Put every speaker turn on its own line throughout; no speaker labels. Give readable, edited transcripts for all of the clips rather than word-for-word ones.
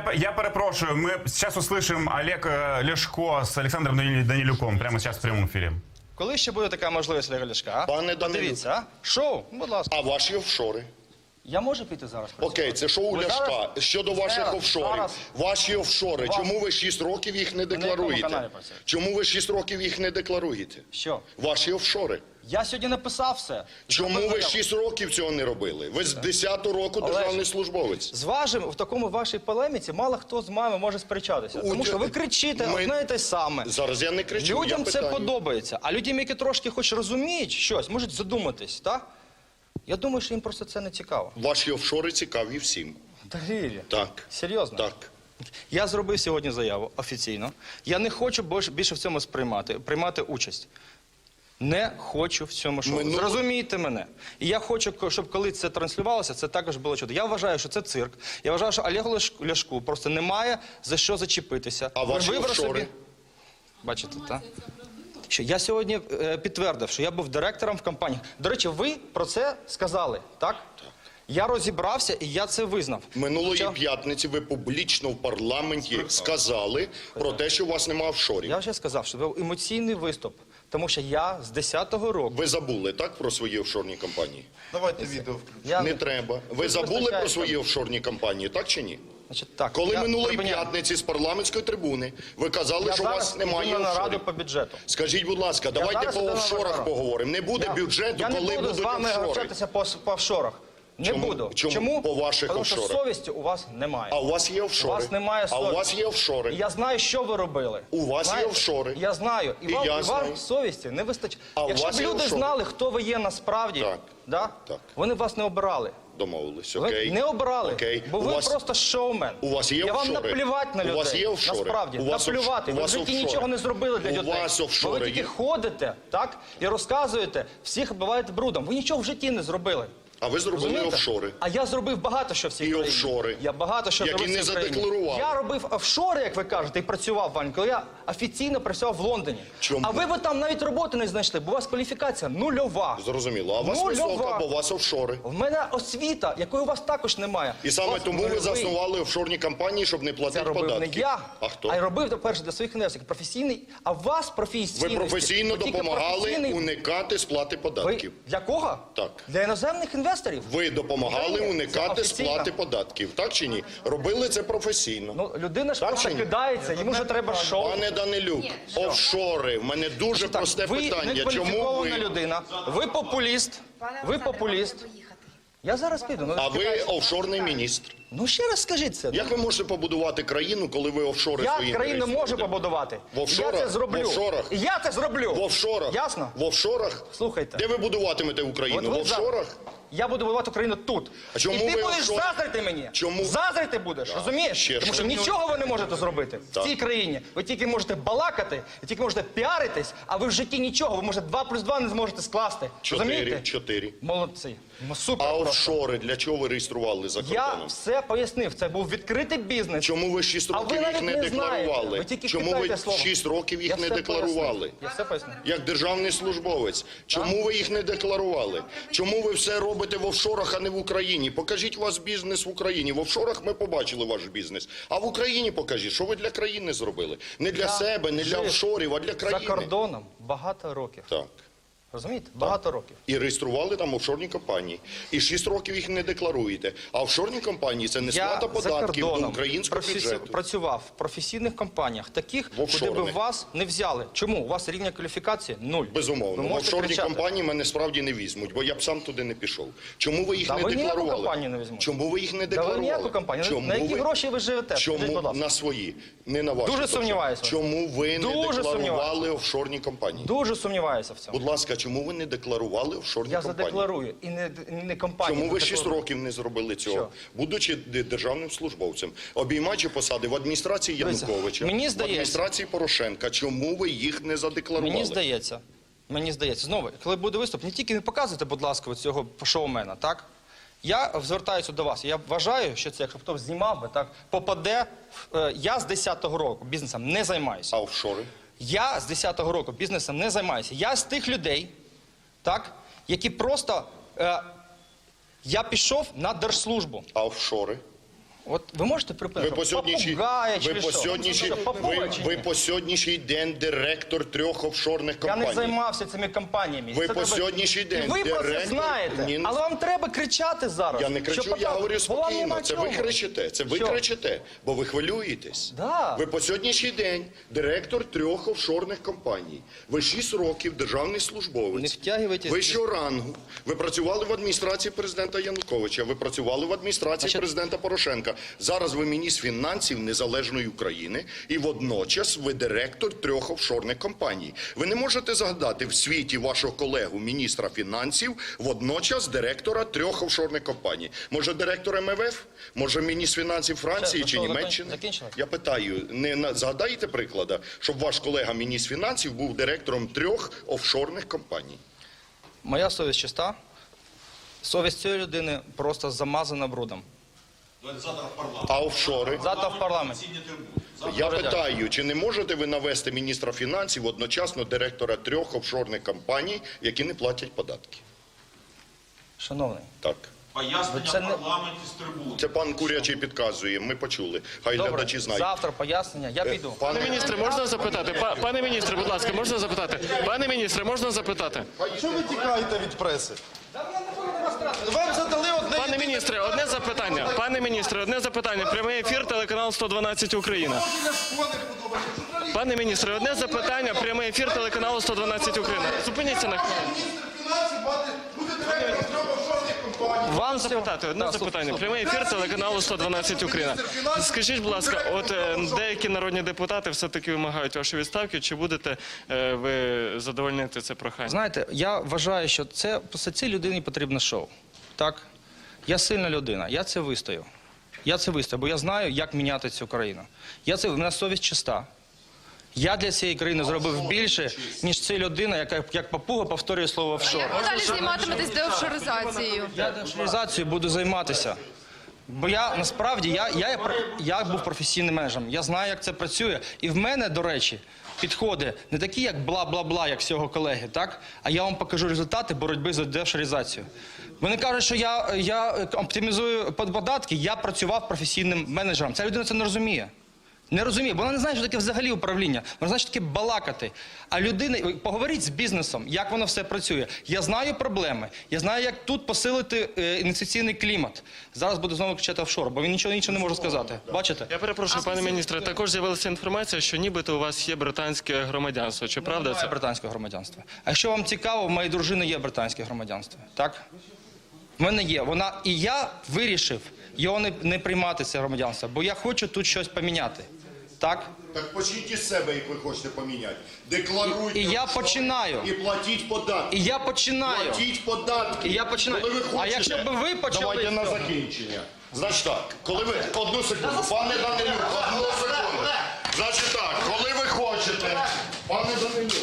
Я перепрошую, мы сейчас услышим Олег Ляшко с Александром Данилюком прямо сейчас в прямом эфире.
Коли ще буде така можливість, Олега Ляшка? А?
Пане Данилюк.
Подивіться, а? Шоу, будь ласка.
А ваші офшори?
Я можу піти зараз?
Окей, це шоу
Ви
Ляшка.
зараз-
Щодо ваших
зараз-
офшорів.
зараз-
Ваші офшори.
Вас-
Чому ви 6 років їх не
якому
декларуєте?
каналі працюєте?
Чому ви 6 років їх не декларуєте?
Що?
Ваші офшори.
Я сьогодні написав все.
Чому
Зробив
ви
заяву.
6 років цього не робили? Ви з 10-го року
Олеж,
державний службовець.
З вашим, в такому вашій полеміці, мало хто з вами може сперечатися. Тому що ви кричите
Ми-
одне і те саме.
Зараз я не кричу,
Людям
я
це
питаю.
подобається. А людям, які трошки хоч розуміють щось, можуть задуматись, так? Я думаю, що їм просто це не цікаво.
Ваші офшори цікаві всім.
Довір'я.
Так.
Серйозно?
Так.
Я зробив сьогодні заяву офіційно. Я не хочу більше в цьому приймати участь. Не хочу в цьому шоу. Зрозумійте мене. І я хочу, щоб коли це транслювалося, це також було чудо. Я вважаю, що це цирк. Я вважаю, що Олегу Ляшку просто немає за що зачепитися.
А ваші
Вибрав
офшори?
Бачите, так? Що я сьогодні підтвердив, що я був директором в компанії. До речі, ви про це сказали, так? Так. Я розібрався і я це визнав.
Минулої п'ятниці ви публічно в парламенті сказали про те, що у вас немає офшорів.
Я вже сказав, що це був емоційний виступ, тому що я з 10-го року...
Ви забули, так, про свої офшорні компанії?
Давайте відео включимо.
Я...
Не треба. Ви забули про свої офшорні компанії, так чи ні?
Значить, так,
Коли
я
минулої
припиняю.
п'ятниці з парламентської трибуни ви казали,
Я
що у вас
зараз
немає
йду на нараду
офшорів.
по бюджету.
Скажіть, будь ласка, давайте
зараз
по
йду на
офшорах
нараду.
поговоримо. Не буде бюджету,
я
коли
не буду
будуть
з вами
офшори.
общатися по офшорах. Не
Чому?
буду.
Чому? По ваших
Тому що
офшорах.
совісті у вас немає.
А у вас є
У
офшори?
вас немає
А
совісті.
у вас є офшори?
І я знаю, що ви робили.
У вас є
Знаєте?
офшори.
Я знаю.
І я
вам
знаю.
совісті не вистачає.
А у
Якщо
вас
б
є
люди
офшори?
знали, хто ви є насправді,
Так.
да?
Так.
Вони б вас не обирали.
Домовились,
Ви
окей.
не обирали,
Окей.
бо
У
ви
вас-
просто шоумен.
У вас є
Я вам
офшори?
наплівати на людей.
У вас є офшори?
Насправді,
У вас
наплювати.
у
Ви в
вас
житті
офшори?
нічого не зробили для
У
людей.
вас
Бо
офшори
ви тільки
є?
ходите, так, і розказуєте, всіх оббиваєте брудом. Ви нічого в житті не зробили.
А ви зробили
Розумієте?
офшори.
А я зробив багато що в цій
І
країні.
офшори.
Я багато що
Які
зробив в
не
цій країні.
задекларували.
Я робив офшори, як ви кажете, і працював, Вань, коли я офіційно працював в Лондоні.
Чому?
А ви там навіть роботи не знайшли, бо у вас кваліфікація нульова.
Зрозуміло. А у вас
Нульова.
висока, бо у вас офшори.
В мене освіта, якої у вас також немає.
І
У
саме
вас
тому ви
нульовий.
заснували офшорні компанії, щоб не
Це
платити
робив
податки.
не я,
А хто?
а й робив, по-перше, для своїх інвесторів. Професійний, а у вас професійний.
Ви професійно допомагали уникати сплати
Ви
податків.
для кого?
Так.
Для іноземних інвесторів?
Ви допомагали
Ні,
уникати
це офіційно.
сплати податків, так чи ні? Робили це професійно.
Ну, людина ж
Так
просто
чи ні?
кидається, йому вже треба шоу.
Пане Данилюк, офшори. В мене дуже
Так,
просте
ви
питання. Чому
некваліфікована
ви...
людина, ви популіст, ви популіст. Я зараз піду.
А ви офшорний міністр.
Ну ще раз скажіть це.
Як ви можете побудувати країну, коли ви офшори
Я
свої
країну можу
реєструєте?
побудувати.
В офшорах?
Я це зроблю.
В офшорах?
І я це зроблю.
В офшорах?
Ясно?
В офшорах?
Слухайте.
Де ви будуватимете Україну?
От
В офшорах?
Я буду будувати Україну тут.
А чому
і ти
ви
будеш
офшори?
заздрити мені.
Чому?
Заздрити будеш, розумієш?
Ще
Тому
що?
що нічого ви не можете зробити
Так.
в цій країні. Ви тільки можете балакати, ви тільки можете піаритись, а ви в житті нічого. Ви, може, 2 плюс 2 не зможете скласти. Розумієте?
4.
Молодці. Супер
А
просто.
офшори для чого ви реєстрували за
Я
кордоном?
все пояснив. Це був відкритий бізнес.
Чому ви 6
А ви
років їх
навіть
не
не знаєте.
декларували?
Ви тільки
Чому ви
кидаєте слово.
6 років їх
Я
не
все
декларували?
пояснив. Я все пояснив.
Як державний службовець. Чому ви їх не декларували? Чому ви все робите в офшорах, а не в Україні? Покажіть у вас бізнес в Україні. В офшорах ми побачили ваш бізнес. А в Україні покажіть, що ви для країни зробили. Не для себе, не для
жив
офшорів, а для
За
країни.
кордоном багато років.
Так.
Розумієте? Багато років.
І реєстрували там офшорні компанії. І 6 років їх не декларуєте. А офшорні компанії – це не сплата
Я за
податків до
кордоном
українського бюджету.
працював в професійних компаніях, таких,
В
куди би
офшорних.
вас не взяли. Чому? У вас рівня кваліфікації нуль.
Безумовно.
Ви
В
можете
офшорні
кричати.
компанії мене справді не візьмуть, бо я б сам туди не пішов. Чому ви їх
Та
не
ви ніяку
декларували?
компанію не візьмуть.
Чому ви їх не
Та
декларували?
ви ніяку компанію.
Чому
На які
ви-
гроші ви живете? Скажіть, будь
Чому
ласка.
на свої, не на ваші?
Дуже
тобто.
сумніваюся.
Чому ви не
Дуже
декларували
сумніваюся.
офшорні компанії?
Дуже сумніваюся в цьому.
Будь ласка, чому ви не декларували офшорні
Я
компанії?
задекларую і не компанію.
Чому ви 6
задекларую.
років не зробили цього?
Що?
Будучи державним службовцем, обіймаючи посади в адміністрації
Дивіться,
Януковича,
мені
в
здається-
адміністрації Порошенка, чому ви їх не задекларували?
Мені здається, знову, коли буде виступ, не показуйте, будь ласка, цього шоумена, так? Я звертаюся до вас. Я вважаю, що це, якщо хтось знімав би, так, попаде. Я з 10-го року бізнесом не займаюся.
А офшори?
Я з 10-го року бізнесом не займаюся. Я з тих людей, так, які просто... я пішов на держслужбу.
А офшори?
От ви можете
Ви
припинити?
по сьогоднішній,
Попугая чи
ви по
що?
сьогоднішній,
Що, попугай чи
ви
ні?
по сьогоднішній день директор 3 офшорних
Я
компаній.
не займався цими компаніями.
Ви
Це
по
треба-
сьогоднішній
І
день
ви про це
директор-
знаєте,
Ні,
але вам треба кричати зараз.
Я не кричу,
Щоб
я
показати.
говорю
Бо вам
спокійно.
нема
Це ви
чого.
кричите, це ви
Що?
кричите, бо ви хвилюєтесь.
Да.
Ви по сьогоднішній день директор 3 офшорних компаній. Ви 6 років державний службовець.
Не втягуйтесь.
Вищого рангу. Ви працювали в адміністрації президента Януковича, ви працювали в адміністрації
Значить-
президента Порошенка. Зараз ви міністр фінансів незалежної України і водночас ви директор 3 офшорних компаній. Ви не можете згадати в світі вашого колегу міністра фінансів, водночас директора 3 офшорних компаній. Може директор МВФ? Може міністр фінансів Франції
Все,
чи
готово,
Німеччини?
закінчили?
Я питаю, згадаєте приклада, щоб ваш колега міністр фінансів був директором 3 офшорних компаній?
Моя совість чиста. Совість цієї людини просто замазана брудом.
А офшори?
Завтра в парламенті.
Я питаю, чи не можете ви навести міністра фінансів одночасно директора 3 офшорних компаній, які не платять податки?
Шановний,
Так.
Пояснення
Це
в
не-
парламенті з трибуни.
Це пан Курячий підказує, ми почули. Хай
добре,
глядачі знають.
завтра пояснення, я піду.
Пане
Пане міністре, можна запитати? Пане міністре, будь ласка, можна запитати? Пане міністре, можна запитати?
Що ви тікаєте від преси? Вам задали одне.
Пане міністре, одне запитання. Пане міністре, одне запитання. Прямий ефір, телеканал 112 Україна. Пане міністре, одне запитання. Прямий ефір, телеканалу 112 Україна. Зупиніться на хвилину.
Міністр фінансів буде директором 3 офшорних компаній.
Вам запитати, одне запитання. Прямий ефір, телеканалу 112 Україна. Скажіть, будь ласка, от деякі народні депутати все-таки вимагають вашої відставки. Чи будете ви задовольнити це прохання?
Знаєте, я вважаю, що цій людині потрібно шоу. Так? Я сильна людина, я це вистою. Я це вистою, бо я знаю, як міняти цю країну. У мене совість чиста. Я для цієї країни зробив більше, ніж ця людина, яка як папуга повторює слово офшор.
Як ви далі займатиметесь деофшоризацією?
Я деофшоризацією буду займатися. Бо я насправді я був професійним менеджером. Я знаю, як це працює. І в мене, до речі, підходи не такі, як бла-бла-бла, як всього колеги, так? А я вам покажу результати боротьби за деофшоризацію. Вони кажуть, що я оптимізую податки, я працював професійним менеджером. Ця людина це не розуміє. Не розуміє, бо вона не знає, що таке взагалі управління. Вона знає, що таке балакати. А людина, поговоріть з бізнесом, як воно все працює. Я знаю проблеми, я знаю, як тут посилити інвестиційний клімат. Зараз буду знову кричати офшор, бо він нічого не може сказати. Бачите?
Я перепрошую, пане міністре, також з'явилася інформація, що нібито у вас є британське громадянство. Чи правда
Немає
це?
британського громадянства. А якщо вам цікаво, в моєї дружини є британське громадянство. Так? В мене є. І я вирішив його не приймати, це громадянство, бо я хочу тут щось поміняти. Так?
Так почніть із себе, як ви хочете поміняти. Декларуйте
І я
офшори
починаю.
І платіть податки.
І я починаю.
Платіть податки.
І я починаю.
Коли ви
А
хочете,
якщо б ви почали
Давайте на
з цього.
закінчення. Значить так, коли ви... Одну секунду. Пане Данилюк, одну секунду. Значить так, коли ви хочете... Пане Данилюк.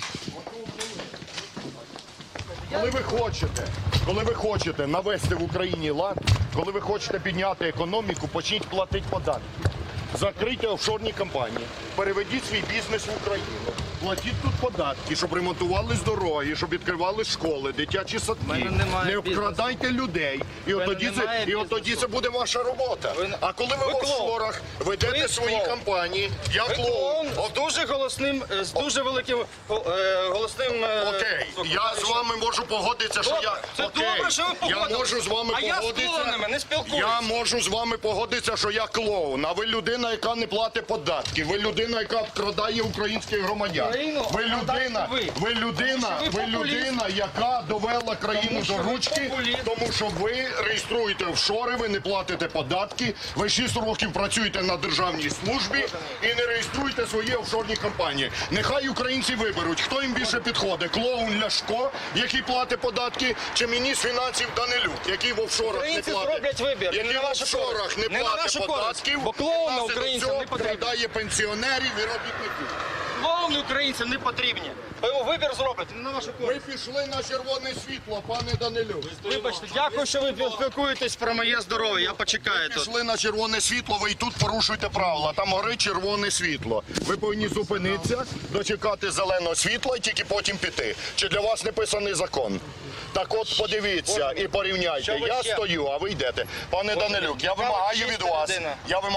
Коли ви хочете навести в Україні лад, коли ви хочете підняти економіку, почніть платити податки. Закрийте офшорні компанії, переведіть свій бізнес в Україну, платіть тут податки, щоб ремонтувались дороги, щоб відкривали школи, дитячі садки.
мене немає
Не
бізнесу.
обкрадайте людей. І
мене
от
немає
тоді
бізнесу.
це буде ваша робота. А коли ви в
клоун.
офшорах ведете
Ви
свої
клоун.
компанії, я клоун.
З дуже голосним, з дуже великим голосним...
Окей, я з вами можу погодитися, що я...
Це
Окей,
добре, що ви погодились.
я можу з вами
А я з
погодитися.
клоунами не спілкуюсь.
Я можу з вами погодитися, що я клоун, а ви людина, яка не платить податки. Ви людина, яка обкрадає українських громадян.
Країну
Ви людина,
обкрадаєте
ви людина,
Тому що ви
ви
популіст.
людина, яка довела країну
Тому що
до
ви
ручки,
популіст.
тому що ви реєструєте офшори, ви не платите податки, ви 6 років працюєте на державній службі і не реєструєте свої офшорні компанії. Нехай українці виберуть, хто їм більше підходить. Клоун Ляшко, який платить податки, чи міністр фінансів Данилюк, який в офшорах не
Українці
платить.
зроблять вибір.
Який
Не на
в
вашу
офшорах
користь.
не
Не на
платить
нашу користь.
податків,
Бо клоуна
внаслідок
українцям
цього
не потрібно.
обкрадає пенсіонерів і робітників.
Клоуни українцям не потрібні. Ви вибір зробите, не на вашу користь.
Ви пішли на червоне світло, пане Данилюк.
Вибачте, дякую, що ви спілкуєтесь про моє здоров'я. Я почекаю тут.
Пішли на червоне світло, ви і тут порушуєте правила. Там горить червоне світло. Ви повинні зупинитися, дочекати зеленого світла і тільки потім піти. Чи для вас не писаний закон? Так от подивіться і порівняйте.
Що ви
Я
ще?
стою, а ви йдете. Пане Данилюк, я вимагаю від вас,
людина.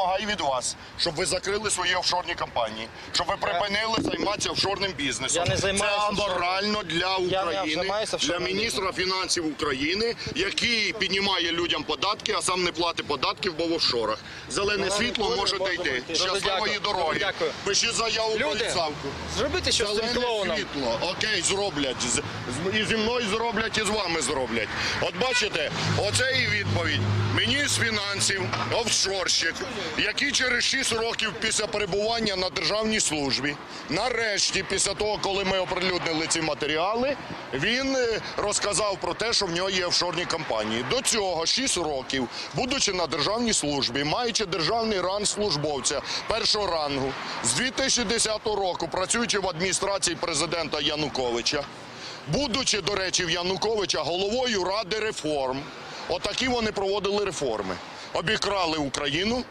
щоб ви закрили свої офшорні компанії, щоб ви припинили займатися офшорним бізнесом.
Я не займаюся
Це
офшорним.
аморально для
Я не
України,
займаюся
для
офшорним
міністра фінансів України, який піднімає людям податки, а сам не платить податків, бо в офшорах. Зелене світло можете йти. Щасливої
дякую.
дороги.
Дякую.
Пишіть заяву про
Люди,
відставку.
зробите щось з цим
Зелене
клоуном.
світло. Окей, зроблять. І зі мною зроблять, і з вами зроблять. От бачите, оце і відповідь. Міністр фінансів, офшорщик, який через 6 років після перебування на державній службі, нарешті, після того, коли ми оприлюднили ці матеріали, він розказав про те, що в нього є офшорні компанії. До цього 6 років, будучи на державній службі, маючи державний ранг службовця першого рангу, з 2010 року, працюючи в адміністрації президента Януковича, будучи, до речі, в Януковича головою Ради реформ, отакі вони проводили реформи. Обікрали Україну,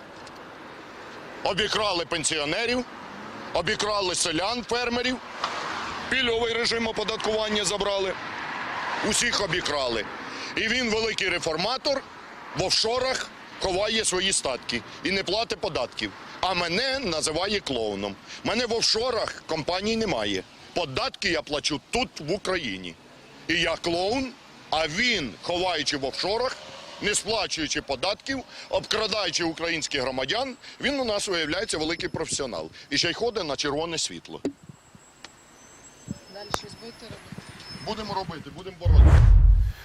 обікрали пенсіонерів, обікрали селян, фермерів, пільговий режим оподаткування забрали, усіх обікрали. І він, великий реформатор, в офшорах ховає свої статки і не платить податків. А мене називає клоуном. Мене в офшорах компаній немає. Податки я плачу тут, в Україні. І я клоун, а він, ховаючи в офшорах, не сплачуючи податків, обкрадаючи українських громадян, він у нас виявляється великий професіонал. І ще й ходить на червоне світло.
Далі щось будете робити?
Будемо робити, будемо боротися.